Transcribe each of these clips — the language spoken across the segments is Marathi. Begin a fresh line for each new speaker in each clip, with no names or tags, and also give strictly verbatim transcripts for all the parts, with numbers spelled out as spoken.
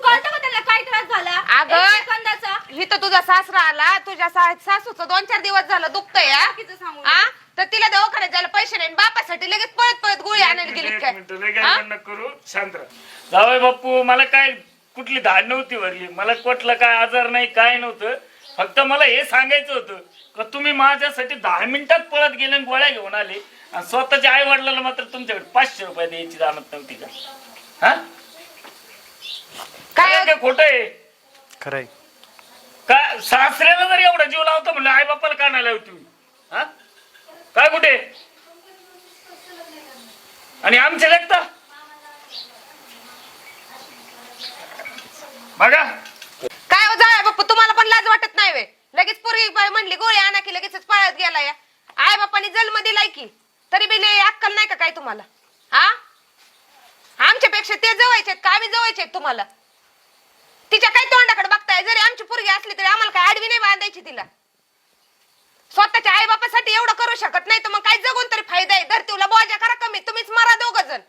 कळतं का त्याला काय त्रास झाला?
अगं,
एक सेकंदाचा.
इथं तुझा सासरा आला, तुझ्या सा- सासूचं दोन चार दिवस झालं दुखतंय हा?
बाकीचं सांगू
हा? तर तिला दवाखान्यात जायला पैसे नाही, बापासाठी लगेच पळत पळत गोळी आणायला गेली
एक
काय?
मिनिट लय गडबड नको करू, शांत राहा. जावई बापू, मला काय कुठली धाड नव्हती वरली, मला कुठला काय आजार नाही, काय नव्हतं. फक्त मला हे सांगायचं होतं का तुम्ही माझ्यासाठी दहा मिनिटात पळत गेले आणि गोळ्या घेऊन आले आणि स्वतःच्या आई वडिलांना मात्र तुमच्याकडे पाचशे रुपये द्यायची जाणत नव्हती का? हा
काय
काय खोट आहे
खरंय.
का? सासऱ्याला जर एवढा जीव लावतो म्हणलं आई बापाला का नाही लावती? हा काय कुठे आणि आमचे लेखता बघा.
काय हो जाय बाप्पा, तुम्हाला पण लाज वाटत नाही वे? लगेच पोरगी म्हणली गोळी आणा की लगेच पळत गेला या. आई बापाने जन्म दिलाय की तरी बी लय अक्कल नाही का काय तुम्हाला? हा, आमच्यापेक्षा ते जवळचे का आम्ही जवळचे तुम्हाला? तिच्या काय तोंडाकडे बघताय? जरी आमची पोरगी असली तरी आम्हाला काय आडवी नाही बांधायची तिला. स्वतःच्या आई बापासाठी एवढं करू शकत नाही तर मग काय जगून तरी फायदा आहे? धरतीला बोजा करा कमी, तुम्हीच मारा दोघ जण.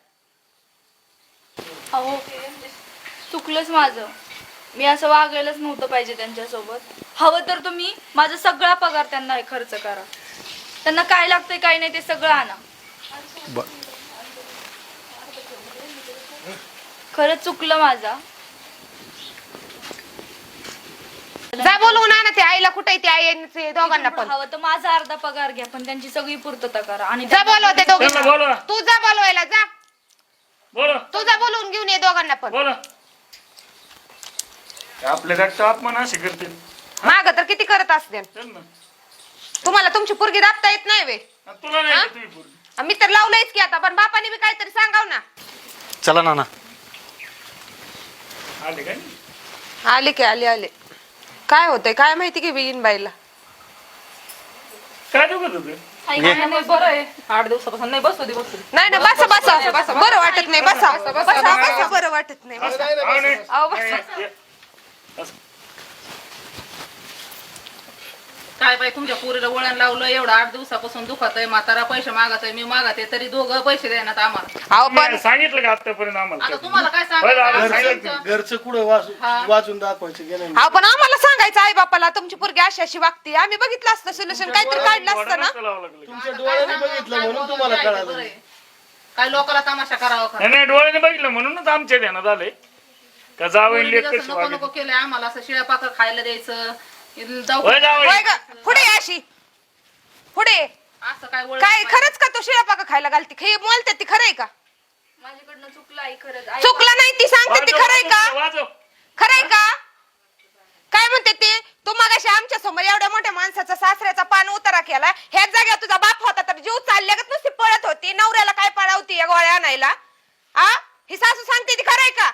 अहो चुकलंच माझं, मी असं वागायलाच नव्हतं पाहिजे त्यांच्यासोबत. हवं तर तुम्ही माझा सगळा पगार त्यांना खर्च करा, त्यांना काय लागतंय काय नाही ते सगळं आणा.
ब-
खरंच चुकलं माझा.
जा बोलवून आणा ते आईला. कुठे ते आई आणि ते दोघांना पण.
हवं तर माझा अर्धा पगार घ्या पण त्यांची सगळी पूर्तता करा. आणि
जा बोलव ते
त्यांना
दोघांना.
बोलवा.
तू जा बोलवायला जा.
बोला
तू जा बोलवून घेऊन ये दोघांना पण.
बोला. आपल्या रक्त अपमान असे करते.
माग तर किती करत असते.
चल ना.
तुम्हाला तुमची पोरगी दाबता येत नाही वे?
आणि तुला नाही
हा?
का तुझी पोरगी?
मी तर लावलंयच की आता, पण बापाने बी काहीतरी सांगाव ना.
चला नाना.
आले काय?
आले की आले आले. काय होतंय काय माहिती की बिन बाईला.
काय दुखत होतं?
बरं आहे, आठ दिवसापासून नाही. बसू दे बसू दे.
नाही ना, बसा बसा. बरं वाटत नाही. बसा बसा बसा. बरं वाटत नाही. बसा.
हा, नाही.
अहो, बस.
नाही, ये. बस.
काय बाई तुमच्या पोरीला वळण लावलं, एवढं आठ दिवसापासून दुखत आहे, म्हातारा पैसे मागत आहे, मी मागत आहे, तरी दोघं पैसे देण्यात आम्हाला.
अहो पण
तुम्ही सांगितलं का आतापर्यंत
आता
आम्हाला?
तुम्हाला काय
बरं, आता
सांगायचं?
सांगितलं.
तुमचं-
घरचं कुठं वाचून
हा.
वाचून दाखवायचं गेलं
अहो पण आम्हाला सांगायचं आई बापाला तुमची पोरगी अशी अशी वागते. आम्ही बघितलं असतं सोल्युशन, काहीतरी काढलं असतं ना.
डोळ्याला लावावं लागलं.
तुमच्या
आता
डोळ्याने
काय सांगू,
बघितलं
काय
म्हणून
बोलून
तुम्हाला
जायचं,
कळालं.
बरं आहे. काय लोकांना तमाशा करावा का?
नाही नाही, डोळ्याने बघितलं म्हणूनच आमच्या ध्यानात आलंय का जावं
पोरीने
लेख
जसं
कशी
नको नको
वागते.
केलंय आम्हाला, असं शिळ्या पाकर खायला द्यायचं, जाऊ
होय जावई.
होय ग, पुढे ये अशी पुढे.
असं काय वळण
काय
पाहिजे.
खरंच का तू शिळा पाका खायला घालते? हे बोलते ती खरंय का?
माझ्याकडनं चुकलं आई, खरंच आई.
चुकलं नाही ती सांगते ती
वाजव,
खरंय का?
वाजव, वाजव.
खरंय का? काय म्हणते ते? तू मगाशी आमच्या समोर एवढ्या मोठ्या माणसाचा सासऱ्याचा पान उतारा केला. ह्याच जागेवर तुझा बाप होता तर जीव चालल्यागत नुसती पळत होती. नवऱ्याला काय पळावती या गोळ्या आणायला? आ ही सासू सांगते ती खरंय का?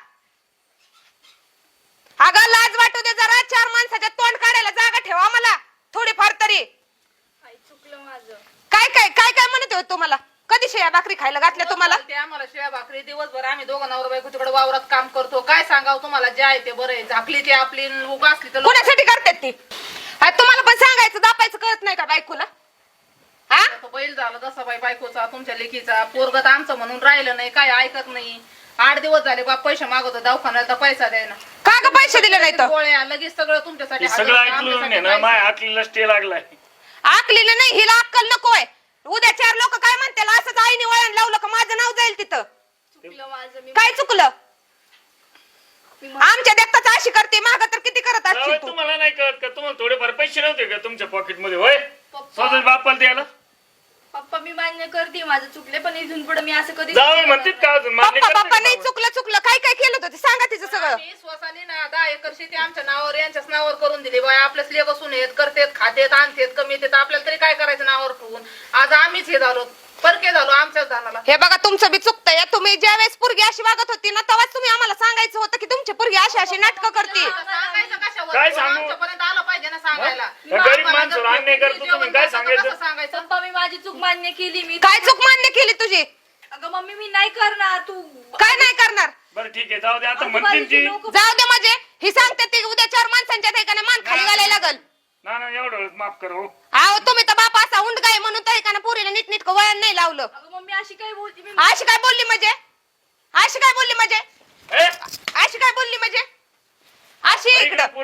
अगं लाज वाटू दे जरा. चार माणसाच्या तोंड काढायला जागा ठेवा मला थोडीफार तरी.
आई चुकलं माझं.
काय काय काय काय म्हणत होते तुम्हाला? कधी शेया भाकरी खायला घातल्या तुम्हाला?
ते आम्हाला शिळ्या भाकरी दिवसभर आम्ही दोघं नवरा बायको तिकडे वावरात काम करतो. काय सांगावं तुम्हाला, जे आहे ते बरं आहे. झाकली ती आपली, उगा असली तर लोक-
कोणासाठी करतात ती? आ, तुम्हाला पण सांगायचं दापायचं कळत नाही का बायकोला? हा
तो बैल झाला तसा बाई बायकोचा, तुमच्या लेकीचा. पोरगत आमचं म्हणून राहिलं नाही, काय ऐकत नाही. आठ दिवस झाले बाप पैसे मागवतो दवाखान्यात, तर पैसा द्यायना.
का ग पैसे दिले नाही तर?
गोळ्या लगेच सगळं तुमच्यासाठी
हे
हजर
सगळं
होतं,
ऐकलं
आमच्यासाठी
नाही ना,
काहीच
माय
नाही.
हाकलीला स्टे लागलाय.
आकलीला नाही, हिला अक्कल नकोय. उद्या चार लोक काय म्हणतील असंच आईने वळण लावलं का माझं नाव जाईल तिथं.
चुकलं माझं. मी
काय चुकलं? आमच्या देखताच अशी करते, माग तर किती करत
जावई,
असशील तू.
तुम्हाला नाही कळत का? तुम्हाला थोडेफार पैसे नव्हते का तुमच्या पॉकेट मध्ये? होय
पप्पा
स्वतः बापाला द्यायला
पप्पा मी मान्य करते माझं चुकले, पण इथून पुढे मी असं कधी
जावई म्हणतात का अजून? मान्य
पप्पा
करते
पप्पा
का
नाही
जावई?
चुकलं चुकलं काय काय केलं होतं ते सांगा तिचं सगळं.
आम्ही स्वसाने ना दहा एकर शेती आमच्या नावावर, यांच्याच नावावर करून दिली. बाय आपल्याच लेख असून येत करतेत, खातेत, आणतेत, कमी येतात. आपल्याला तरी काय करायचं नावावर ठेवून? आज आम्हीच हे झालो, परके झालो आमच्याच धानाला.
हे बघा तुमचं बी चुकतंय. तुम्ही ज्या वेळेस पोरगी अशी वागत होती ना तेव्हाच तुम्ही आम्हाला सांगायचं होतं की तुमची पोरगी अशी अशी नाटकं करते.
सांगायचं कशावर?
काय सांगू?
आमच्यापर्यंत आलं पाहिजे ना सांगायला.
या गरीब माणसाला अन्याय करतो तुम्ही, काय सांगायचं?
कसं सांगायचं?
पप्पा मी माझी चूक मान्य केली. मी
काय चूक मान्य केली तुझी?
अगं मम्मी मी नाही करणार. तू
काय नाही करणार?
बरं ठीक आहे, जाऊ दे. आता म्हणतील
आजूबाजूची
ती
लोकं-
जाऊ दे म्हणजे ही सांगते ती उद्या चार माणसांच्या ठिकाणी मान खाली घालायला लागल.
ना ना एवढं वेळेस माफ करू.
अहो तुम्ही तर बाप असा उंड काय म्हणून तर एकाने पोरीला नीट नीट वळण नाही लावलं.
अगं मम्मी अशी काय बोलती? मी
अशी काय बोलली म्हणजे? अशी काय बोलली म्हणजे?
ए,
अशी काय बोलली म्हणजे?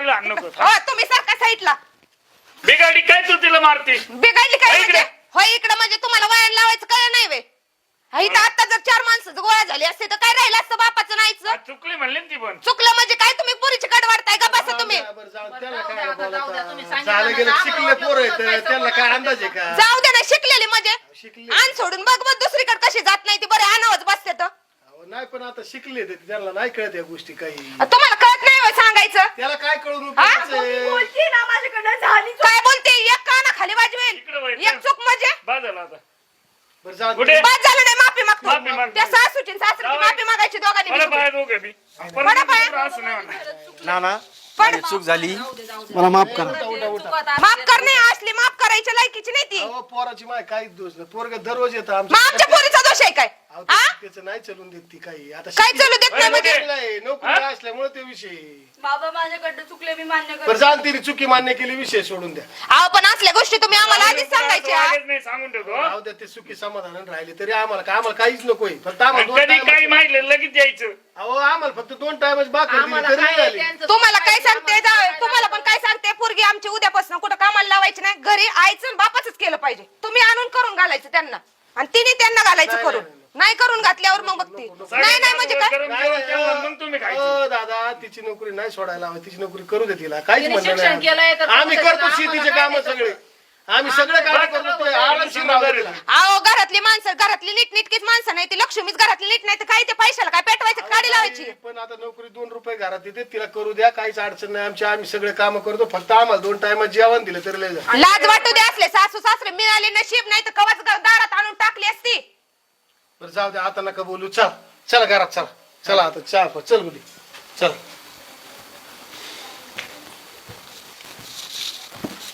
पोरीला हाण नको
हो तुम्ही सारखा साईडला
बिगाडी काय तू तिला मारते
बिघडली काय
इकडे.
म्हणजे होय इकडे म्हणजे तुम्हाला वयाला लावायचं काय नाही वे इथं आता जर चार माणसं गोळा झाली असते तर काय राहिलं असतं बापाचं नाहीच
चुकली म्हणली ना ती पण
चुकलं म्हणजे काय तुम्ही पुरीची कड वाढताय का बसा तुम्ही
बरं, जाऊ- त्याला
जाऊ
काय
द्या आता, जाऊ द्या, तुम्ही
बोलता?
सांगितलं
झालं
ना,
गेलं
आम्हाला
शिकले
वाटलं
पोरं
होतं
आहेत
पैसा
त्यांना काय
वगैरे
अंदाज आहे का
जाऊ दे ना शिकलेली म्हणजे
शिकले
आण सोडून बघ बघ दुसरीकडे कशी जात नाही ती बरे आणावच बसते तर
अहो, नाही पण आता शिकले ते त्यांना नाही कळत या गोष्टी काही
तुम्हाला कळत नाही होय सांगायचं
त्याला काय कळून
हा?
उपयोगाचं आहे?
बोलती ना माझ्याकडनं झाली
काय बोलते एक काना खाली
इकडे
वाजवेल
वळ.
एक चूक म्हणजे
बाद झाला आता
बरं जाऊ
कुठे?
दे.
बाद झालं नाही माफी
माफी
मागतो
मागतो.
त्या सासूची सासरीची
जाऊ.
माफी मागायची दोघांनी
मला
मिळून.
पाय दोघे बी पण
बरं पाय.
असं नाही म्हणणार.
नाना
पण-
माझी चूक झाली मला माफ करा
माफ करणे असली माफ करायच्या लायकीची नाही ती
अहो, पोराची माय काहीच दोष नाही पोरग दररोज येतं
मग आमच्या पोरीचा दोष आहे काय
अहो,
हा
त्याचं नाही चलून देत ती काही आता
काय
शिकली-
चालू देत नाही म्हणजे
शिकलाय, नोकरी असल्यामुळे ते विषय
बाबा माझ्याकडनं चुकले मी मान्य
बरं
करते
जाण तिने चुकी मान्य केली विषय सोडून द्या
अहो पण असल्या गोष्टी तुम्ही आम्हाला आधीच सांगायच्या
वागत नाही सांगून ठेवतो
राहू द्या ते चुकी समाधान राहिले तरी आम्हाला काय आम्हाला काहीच नकोय फक्त आम्हाला दोन
कधी
time-
काही माहिती लगेच यायचं
अहो आम्हाला फक्त दोन टाइमच बाकी
आम्हाला
तरी
काय
झाली
त्यांचं
तुम्हाला काय
सुखायचं,
सांगते
आम्हाला
जावई,
काय
तुम्हाला पण
लावायचं.
काय सांगते पोरगी आमची उद्यापासून कुठं कामाला लावायची नाही घरी आईचं बापाच केलं पाहिजे तुम्ही आणून करून घालायचं त्यांना आणि तिने त्यांना घालायचं
नाही,
करून
नाही,
नाही करून घातल्यावर मग बघते नाही नाही म्हणजे काय
गरम
नाही,
जेवण
नाही,
केलं, मग तुम्ही खायचं
अहो, दादा तिची नोकरी नाही सोडायला हवी तिची नोकरी करू दे तिला काहीच
तिने
म्हणणं
शिक्षण केलंय तर
नाही आम्ही
करू दे
करतो
तिला,
शेतीचे
आम्हाला
काम
काय
सगळे आम्ही सगळे काम
आम्हाला
करतो ते
सगळं
आरामशीर राहू दे तिला.
अहो घरातली माणसं घरातली नीटनीटकीच माणसं नाही ती लक्ष्मीच घरातली नीट नाही तर काय ते पैशाला काय पेटवायचं काढी लावायची
पण आता नोकरी दोन रुपये घरात येते तिला करू द्या काहीच अडचण नाही आमची आम्ही सगळे काम करतो फक्त आम्हाला दोन टायमात जेवण दिलं तरी लय झालं.
लाज वाटू दे असले सासू सासरे मिळाले नशीब नाही तर कवाच दारात आणून टाकली असती
बरं जाऊ द्या आता नका बोलू चल चला घरात चला चला आता चहा प- चल मुली चल